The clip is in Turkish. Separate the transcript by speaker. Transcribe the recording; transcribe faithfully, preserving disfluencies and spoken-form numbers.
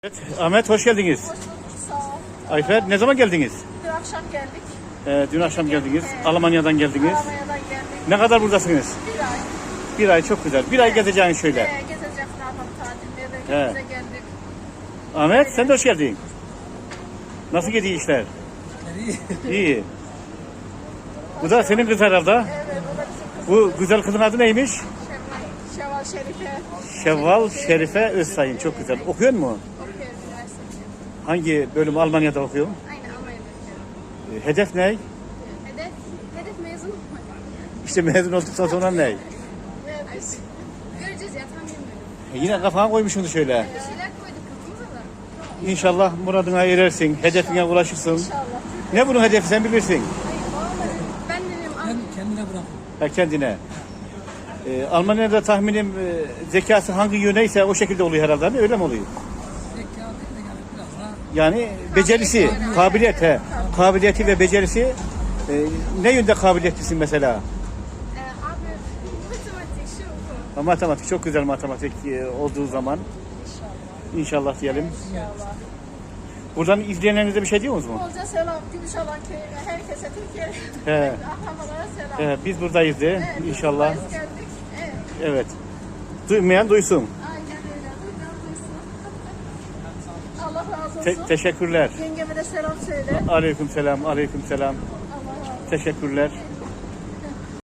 Speaker 1: Evet, Ahmet hoş geldiniz.
Speaker 2: Hoş bulduk, sağ ol.
Speaker 1: Ayfer ne zaman geldiniz?
Speaker 2: Dün akşam geldik.
Speaker 1: Ee, dün akşam geldiniz.
Speaker 2: Evet.
Speaker 1: Almanya'dan geldiniz.
Speaker 2: Almanya'dan geldik.
Speaker 1: Ne kadar buradasınız?
Speaker 2: Bir ay.
Speaker 1: Bir ay çok güzel. Bir ay gezeceğin şöyle.
Speaker 2: Ee, gezeceğiz, ne yapalım, tatilde
Speaker 1: Evet.
Speaker 2: de geldik.
Speaker 1: Ahmet sen de hoş geldin. Nasıl gidiyor işler?
Speaker 3: İyi.
Speaker 1: İyi. Bu da senin kız herhalde.
Speaker 2: Evet, o da bizim kız.
Speaker 1: Bu güzel kızın adı neymiş?
Speaker 2: Şevval, Şevval Şerife.
Speaker 1: Şevval Şerife Özsayın. Çok güzel. Okuyor mu?
Speaker 2: Okuyor, üniversite.
Speaker 1: Hangi bölüm Almanya'da okuyor?
Speaker 2: Aynen, Almanya'da okuyor.
Speaker 1: Ee, Hedef ne?
Speaker 2: Hedef, hedef mezun olmak.
Speaker 1: İşte mezun olduktan sonra ne?
Speaker 2: Evet, göreceğiz ya, tam bilmiyorum.
Speaker 1: E, yine kafana koymuşsun şöyle.
Speaker 2: Bir şeyler koyduk kafamıza da.
Speaker 1: İnşallah muradına erersin. Hedefine ulaşırsın.
Speaker 2: İnşallah.
Speaker 1: Ne bunun hedefi sen bilirsin.
Speaker 2: Hayır, vallahi ben dedim,
Speaker 3: Ben kendine bırakıyorum.
Speaker 1: Ha, kendine. Ee, Almanya'da tahminim e, zekası hangi yöneyse o şekilde oluyor herhalde. Hani öyle mi oluyor?
Speaker 3: Zeka değil de yani biraz daha
Speaker 1: Yani becerisi, kabiliyet he. Kabiliyeti ve becerisi e, ne yönde kabiliyetlisin mesela?
Speaker 2: e, abi, matematik, şu bu.
Speaker 1: Ha, matematik çok güzel matematik e, olduğu zaman
Speaker 2: İnşallah.
Speaker 1: inşallah diyelim.
Speaker 2: İnşallah.
Speaker 1: Buradan izleyenlerinize bir şey diyor musunuz mu?
Speaker 2: Bolca selam, Gümüşhalan köyüne, herkese, Türkiye,
Speaker 1: He.
Speaker 2: akrabalara selam.
Speaker 1: He, biz buradayız de
Speaker 2: Evet, biz
Speaker 1: inşallah.
Speaker 2: buradayız, geldik. Evet,
Speaker 1: Evet. Duymayan duysun.
Speaker 2: aynen öyle. Duymayan duysun. Allah razı olsun.
Speaker 1: Te- teşekkürler.
Speaker 2: Yengeme de selam söyle.
Speaker 1: Aleyküm selam, aleyküm selam.
Speaker 2: Allah razı olsun.
Speaker 1: Teşekkürler.